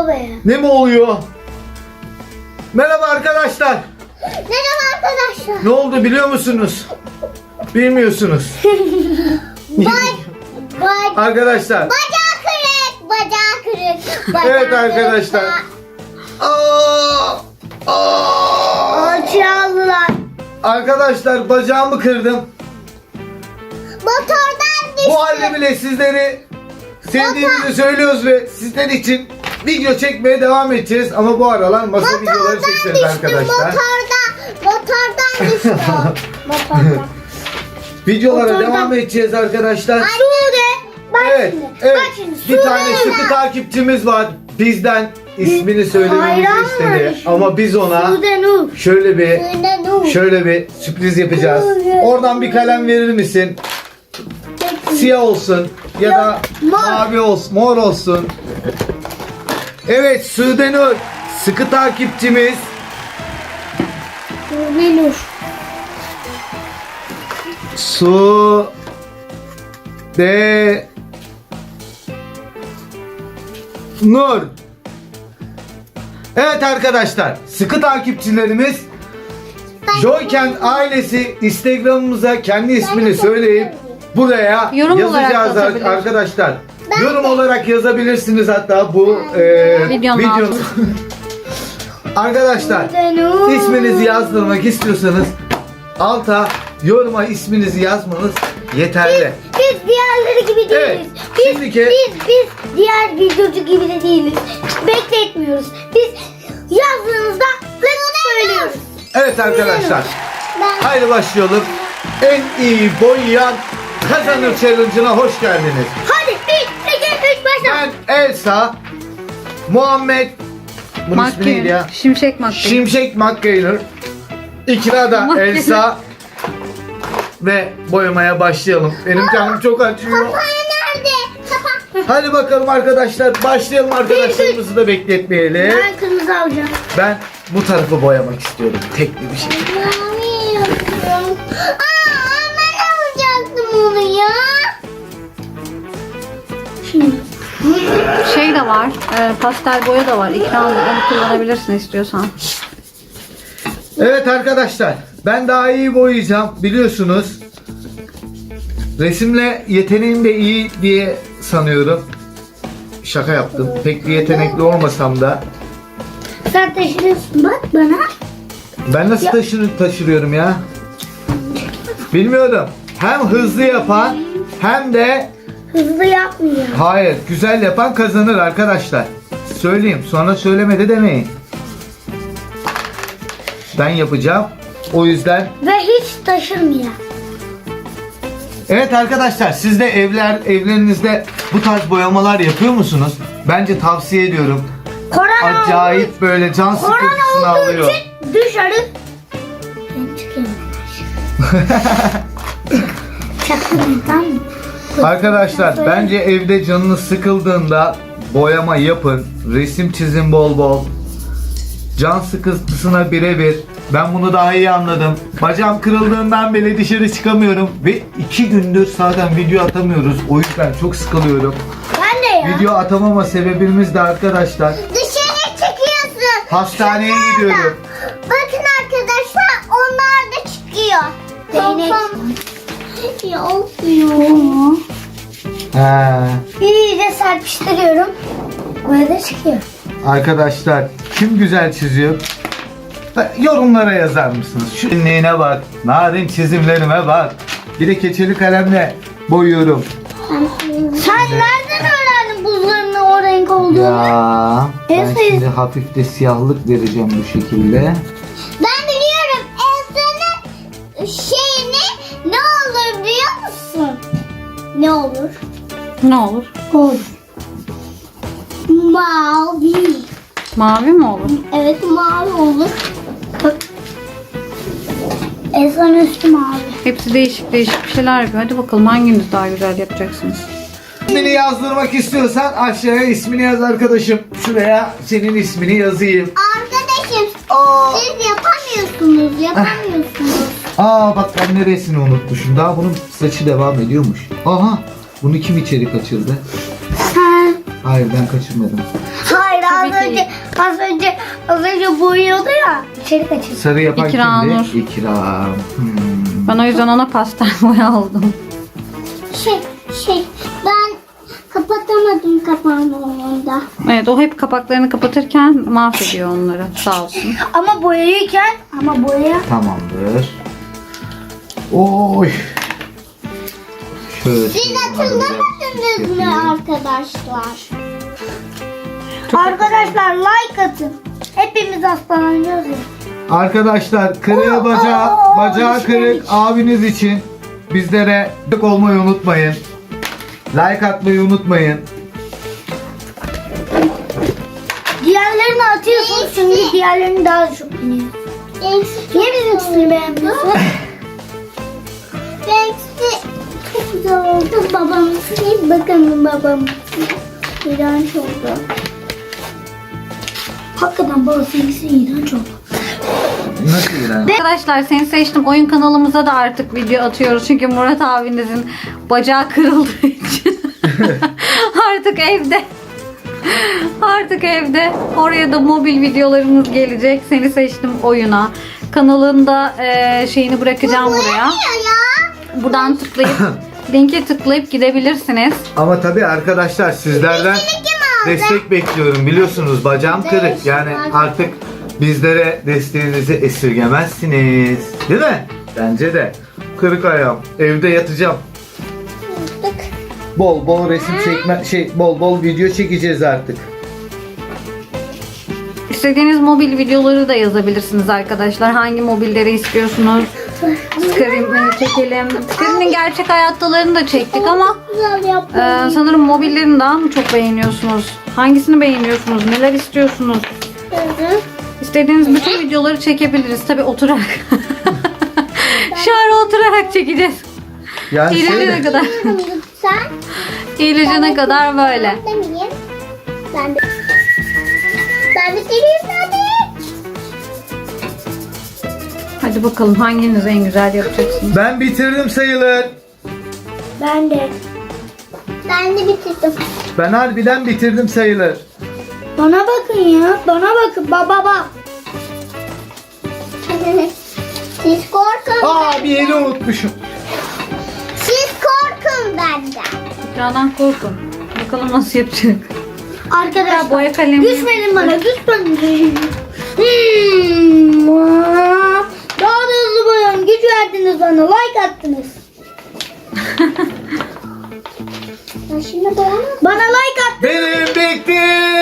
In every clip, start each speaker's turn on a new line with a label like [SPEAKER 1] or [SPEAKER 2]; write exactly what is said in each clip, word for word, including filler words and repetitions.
[SPEAKER 1] be.
[SPEAKER 2] Ne mi oluyor? Merhaba arkadaşlar.
[SPEAKER 1] Merhaba arkadaşlar.
[SPEAKER 2] Ne oldu biliyor musunuz? Bilmiyorsunuz.
[SPEAKER 1] Bak, bak.
[SPEAKER 2] Arkadaşlar.
[SPEAKER 1] Bacağı kırık, bacağı kırık. Bacağı
[SPEAKER 2] Evet arkadaşlar. Aa, aa.
[SPEAKER 1] Alçıya aldılar.
[SPEAKER 2] Arkadaşlar bacağımı kırdım.
[SPEAKER 1] Motordan düştü.
[SPEAKER 2] Bu halde bile sizleri sevdiğimizi söylüyoruz ve sizler için video çekmeye devam edeceğiz. Ama bu aralar masa videoları çekeceğiz arkadaşlar.
[SPEAKER 1] Motordan, motordan düştü. Motordan.
[SPEAKER 2] Videolara
[SPEAKER 1] Motordan.
[SPEAKER 2] devam edeceğiz arkadaşlar.
[SPEAKER 1] Sude. Bak
[SPEAKER 2] Evet,
[SPEAKER 1] şimdi.
[SPEAKER 2] evet.
[SPEAKER 1] Bak şimdi.
[SPEAKER 2] Bir
[SPEAKER 1] Sude
[SPEAKER 2] tane
[SPEAKER 1] ile-
[SPEAKER 2] sıkı takipçimiz var. Bizden ismini söylememizi
[SPEAKER 1] Hayran
[SPEAKER 2] istedi.
[SPEAKER 1] var.
[SPEAKER 2] Ama biz ona
[SPEAKER 1] Sude Nur.
[SPEAKER 2] şöyle bir
[SPEAKER 1] Sude Nur.
[SPEAKER 2] şöyle bir sürpriz yapacağız. Oradan bir kalem verir misin? Siyah olsun ya da
[SPEAKER 1] Yok, mor.
[SPEAKER 2] mavi olsun, mor olsun. Evet, Sude Nur sıkı takipçimiz.
[SPEAKER 1] Sude Nur.
[SPEAKER 2] Su de Nur. Evet arkadaşlar, sıkı takipçilerimiz Joyken ailesi Instagram'ımıza kendi ismini söyleyip buraya
[SPEAKER 3] Yorum olarak
[SPEAKER 2] yazacağız
[SPEAKER 3] yazabilir.
[SPEAKER 2] arkadaşlar.
[SPEAKER 1] Ben
[SPEAKER 2] Yorum
[SPEAKER 1] de.
[SPEAKER 2] olarak yazabilirsiniz hatta bu e,
[SPEAKER 3] Videonun
[SPEAKER 2] videonun. Arkadaşlar
[SPEAKER 1] Sude Nur.
[SPEAKER 2] isminizi yazdırmak istiyorsanız alta yoruma isminizi yazmanız yeterli.
[SPEAKER 1] Biz diğerleri gibi değiliz.
[SPEAKER 2] Evet,
[SPEAKER 1] Biz,
[SPEAKER 2] şimdiki-
[SPEAKER 1] biz, biz diğer videocu gibi de değiliz. Bekletmiyoruz. Biz yazdığınızda lık söylüyoruz.
[SPEAKER 2] Evet arkadaşlar,
[SPEAKER 1] Ben
[SPEAKER 2] haydi başlayalım. En iyi boyayan kazanır challenge'ına hoş geldiniz.
[SPEAKER 1] hadi bir, iki, üç başla.
[SPEAKER 2] Ben Elsa, Muhammed, bunun ismi neydi ya?
[SPEAKER 3] Makyaj. Şimşek makyaj.
[SPEAKER 2] Şimşek McGaynor, İkra da
[SPEAKER 3] Makyaj.
[SPEAKER 2] Elsa ve boyamaya başlayalım. Benim canım çok acıyor.
[SPEAKER 1] Kapağı nerede? Kapak.
[SPEAKER 2] Hadi bakalım arkadaşlar, başlayalım arkadaşlarımızı da bekletmeyelim.
[SPEAKER 1] Ben kırmızı alacağım.
[SPEAKER 2] Ben bu tarafı boyamak istiyorum, tekli bir şey.
[SPEAKER 1] Mavi yapıyorum. Aa, ben alacaktım onu ya. Şimdi.
[SPEAKER 3] Şey de var. E, pastel boya da var. İkram onu kullanabilirsin istiyorsan.
[SPEAKER 2] Evet arkadaşlar, ben daha iyi boyayacağım biliyorsunuz. Resimle yeteneğim de iyi diye sanıyorum. Şaka yaptım. Pek bir yetenekli olmasam da.
[SPEAKER 1] Sen taşırıyorsun bak bana.
[SPEAKER 2] Ben nasıl taşır, taşırıyorum ya? Bilmiyorum. Hem hızlı yapan hem de
[SPEAKER 1] Hızlı yapmıyor.
[SPEAKER 2] hayır güzel yapan kazanır arkadaşlar. Söyleyeyim, sonra söylemedi demeyin. Ben yapacağım. O yüzden
[SPEAKER 1] Ve hiç taşırmıyor.
[SPEAKER 2] evet arkadaşlar, siz de evler evlerinizde bu tarz boyamalar yapıyor musunuz? Bence tavsiye ediyorum.
[SPEAKER 1] Korona
[SPEAKER 2] Acayip böyle can sıkıntısını
[SPEAKER 1] Korona olduğu
[SPEAKER 2] alıyor.
[SPEAKER 1] için dışarı. Ben çıkıyorum. Çaktırmayın tamam mı?
[SPEAKER 2] Arkadaşlar bence evde canınız sıkıldığında boyama yapın. Resim çizin bol bol. Can sıkıntısına birebir. Ben bunu daha iyi anladım. Bacağım kırıldığından beri dışarı çıkamıyorum. Ve iki gündür zaten video atamıyoruz. O yüzden çok sıkılıyorum.
[SPEAKER 1] Ben de ya.
[SPEAKER 2] Video atamama sebebimiz de arkadaşlar.
[SPEAKER 1] Dışarı çıkıyorsun.
[SPEAKER 2] Hastaneye
[SPEAKER 1] Şunlar da.
[SPEAKER 2] gidiyorum.
[SPEAKER 1] Bakın arkadaşlar onlar da çıkıyor. Değnek. Ya olmuyor.
[SPEAKER 2] He.
[SPEAKER 1] İyice serpiştiriyorum. Böyle çıkıyor.
[SPEAKER 2] Arkadaşlar kim güzel çiziyor? Yorumlara yazar mısınız? Şu inliğine bak. Narin çizimlerime bak. Bir de keçeli kalemle boyuyorum.
[SPEAKER 1] Sen nereden öğrendin buzlarının o renk olduğunu?
[SPEAKER 2] Ya ben
[SPEAKER 1] Elsa-
[SPEAKER 2] şimdi hafif de siyahlık vereceğim bu şekilde.
[SPEAKER 1] Ben biliyorum Elsa'nın şeyini ne olur biliyor musun? Ne olur?
[SPEAKER 3] Ne olur?
[SPEAKER 1] Olur. Mavi.
[SPEAKER 3] Mavi mi olur?
[SPEAKER 1] Evet mavi olur. Bak. Elsa'nın üstü mavi.
[SPEAKER 3] Hepsi değişik değişik bir şeyler yapıyor. Hadi bakalım hanginiz daha güzel yapacaksınız?
[SPEAKER 2] İsmini yazdırmak istiyorsan aşağıya ismini yaz arkadaşım. Şuraya senin ismini yazayım.
[SPEAKER 1] Arkadaşım
[SPEAKER 2] Aa,
[SPEAKER 1] siz yapamıyorsunuz. Yapamıyorsunuz.
[SPEAKER 2] aa bak ben neresini unutmuşum. Daha bunun saçı devam ediyormuş. Aha, bunu kim içeri kaçırdı?
[SPEAKER 1] Sen.
[SPEAKER 2] Hayır ben kaçırmadım.
[SPEAKER 1] Hayır az
[SPEAKER 3] tabii ki.
[SPEAKER 1] önce az önce az önce boyuyordu ya. İçeri kaçırdı.
[SPEAKER 2] Sarı yapan
[SPEAKER 3] İkranur.
[SPEAKER 2] kimdi? İkram. Hmm.
[SPEAKER 3] Ben o yüzden ona pastel boya aldım.
[SPEAKER 1] Şey şey ben kapatamadım kapağını onda.
[SPEAKER 3] Evet, o hep kapaklarını kapatırken mahvediyor onları. Sağ olsun.
[SPEAKER 1] Ama boyayırken ama boya.
[SPEAKER 2] Tamamdır. Oy. Şöyle
[SPEAKER 1] Siz
[SPEAKER 2] şöyle
[SPEAKER 1] hatırlamadınız mı
[SPEAKER 2] yapayım.
[SPEAKER 1] arkadaşlar? Arkadaşlar like atın. Hepimiz hastalanıyoruz ya.
[SPEAKER 2] Arkadaşlar kırığı
[SPEAKER 1] Oo,
[SPEAKER 2] bacağı,
[SPEAKER 1] oo,
[SPEAKER 2] bacağı
[SPEAKER 1] düşmemiş.
[SPEAKER 2] kırık abiniz için bizlere destek olmayı unutmayın. Like atmayı unutmayın.
[SPEAKER 1] Diğerlerini atıyorsunuz çünkü diğerlerini daha çok biniyor. Niye bizimkisini beğenmiyorsun? Benimkisi çok güzel oldu. Babamınki bakalım babamınki. İğrenç oldu. Hakikaten babasınınkisi iğrenç oldu.
[SPEAKER 2] Nasıl İrem?
[SPEAKER 3] Arkadaşlar, Seni Seçtim oyun kanalımıza da artık video atıyoruz. Çünkü Murat abinizin bacağı kırıldığı için. Artık evde. Artık evde. Oraya da mobil videolarımız gelecek. Seni Seçtim oyuna. Kanalında e, şeyini bırakacağım buraya. Buradan tıklayıp linke tıklayıp gidebilirsiniz.
[SPEAKER 2] Ama tabii arkadaşlar sizlerden destek bekliyorum. Biliyorsunuz bacağım kırık. Yani artık bizlere desteğinizi esirgemezsiniz. Değil mi? Bence de. Kırık ayağım. Evde yatacağım. Bol bol resim çekme şey bol bol video çekeceğiz artık.
[SPEAKER 3] İstediğiniz mobil videoları da yazabilirsiniz arkadaşlar. Hangi mobilleri istiyorsunuz? Screen'ini çekelim. Screen'in gerçek hayattalarını da çektik ama
[SPEAKER 1] Güzel yaptın.
[SPEAKER 3] e, sanırım mobillerini daha mı çok beğeniyorsunuz? Hangisini beğeniyorsunuz? Neler istiyorsunuz? İstediğiniz bütün videoları çekebiliriz. Tabii oturarak. Şu ara oturarak çekeceğiz.
[SPEAKER 2] Yani şey
[SPEAKER 3] İyileşene
[SPEAKER 2] de-
[SPEAKER 3] kadar.
[SPEAKER 1] Sen?
[SPEAKER 3] İyileşene kadar böyle.
[SPEAKER 1] Ben de miyim? Ben de. Ben de geleyim hadi.
[SPEAKER 3] Hadi bakalım hanginiz en güzel yapacaksınız?
[SPEAKER 2] ben bitirdim sayılır.
[SPEAKER 1] Ben de. Ben de bitirdim.
[SPEAKER 2] Ben harbiden bitirdim sayılır.
[SPEAKER 1] Bana bakın ya. Bana bakın. Baba bak. Siz korkun.
[SPEAKER 2] Aa bir yeri unutmuşum.
[SPEAKER 1] Siz korkun benden.
[SPEAKER 3] Ekrandan korkun. Bakalım nasıl yapacak.
[SPEAKER 1] Arkadaşlar.
[SPEAKER 3] Boya kalemi.
[SPEAKER 1] Düşmeyin bana. Düşmeyin. Hmm. Daha da hızlı boyayın. Güç verdiniz bana. Like attınız. Şimdi bana like at.
[SPEAKER 2] Benim bitti.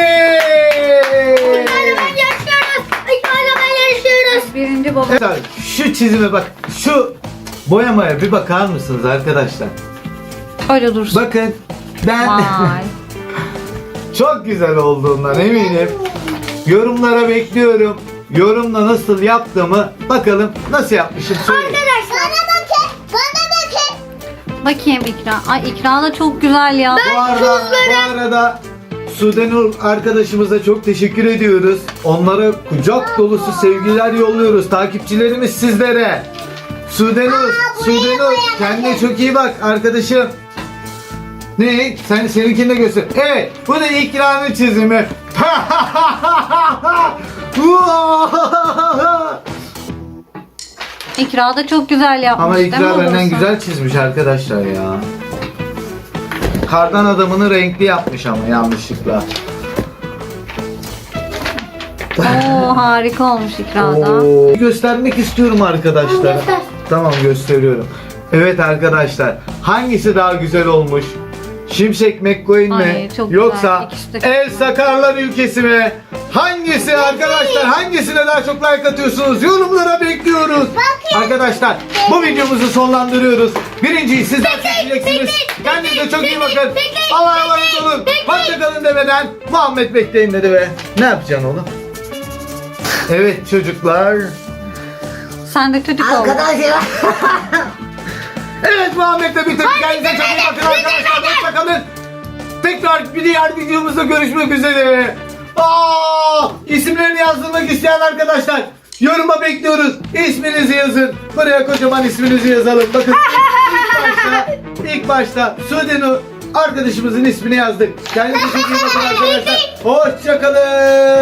[SPEAKER 1] Hala yaşıyoruz. Hala yaşıyoruz.
[SPEAKER 3] Birinci baba.
[SPEAKER 2] Evet abi, şu çizime bak. Şu boyamaya bir bakar mısınız arkadaşlar?
[SPEAKER 3] Öyle dursun.
[SPEAKER 2] Bakın ben
[SPEAKER 3] Vay.
[SPEAKER 2] çok güzel olduğundan eminim. Yorumlara bekliyorum. Yorumla nasıl yaptığımı bakalım nasıl yapmışım söyleyin.
[SPEAKER 1] Arkadaşlar. Bana bakın. Bana bakın.
[SPEAKER 3] Bakayım İkra. Ay İkra da çok güzel ya.
[SPEAKER 2] Bu arada, bu arada Sudenur arkadaşımıza çok teşekkür ediyoruz. Onlara kucak dolusu sevgiler yolluyoruz. Takipçilerimiz sizlere. Sudenur, Sudenur kendine çok iyi bak arkadaşım. Ne? Sen seninkini de göster. Evet, bu da İkra'nın çizimi.
[SPEAKER 3] İkra da çok güzel yapmış.
[SPEAKER 2] Ama
[SPEAKER 3] değil mi
[SPEAKER 2] İkra benden
[SPEAKER 3] babası?
[SPEAKER 2] güzel çizmiş arkadaşlar ya. Kardan adamını renkli yapmış ama yanlışlıkla.
[SPEAKER 3] Oo, harika olmuş İkra'da.
[SPEAKER 2] Oo. Göstermek istiyorum arkadaşlar.
[SPEAKER 1] Göster.
[SPEAKER 2] Tamam gösteriyorum. Evet arkadaşlar, hangisi daha güzel olmuş? Şimşek McQueen mi?
[SPEAKER 3] Ay, çok güzel.
[SPEAKER 2] Yoksa
[SPEAKER 3] İkisi de çok
[SPEAKER 2] El
[SPEAKER 3] güzel.
[SPEAKER 2] Sakarlar ülkesi mi? Hangisi arkadaşlar? Hangisine daha çok like atıyorsunuz? Yorumlara bekliyoruz. Arkadaşlar bu videomuzu sonlandırıyoruz. Birinciyi sizler seçeceksiniz. Kendinize çok iyi bakın. Allah'a emanet olun. Hoşçakalın demeden Muhammed bekleyin dedi ve ne yapacaksın oğlum? Evet çocuklar.
[SPEAKER 3] Sen de çocuk oldun.
[SPEAKER 2] Evet Muhammed'le bitirdik. Kendinize çok iyi bakın arkadaşlar. Hoşçakalın. Tekrar bir diğer videomuzda görüşmek üzere. Aa, isimlerini yazdırmak isteyen arkadaşlar yoruma bekliyoruz. İsminizi yazın. Buraya kocaman isminizi yazalım. Bakın ilk başta, ilk başta Sudenur arkadaşımızın ismini yazdık. Kendinize çok iyi bakın arkadaşlar. Hoşçakalın.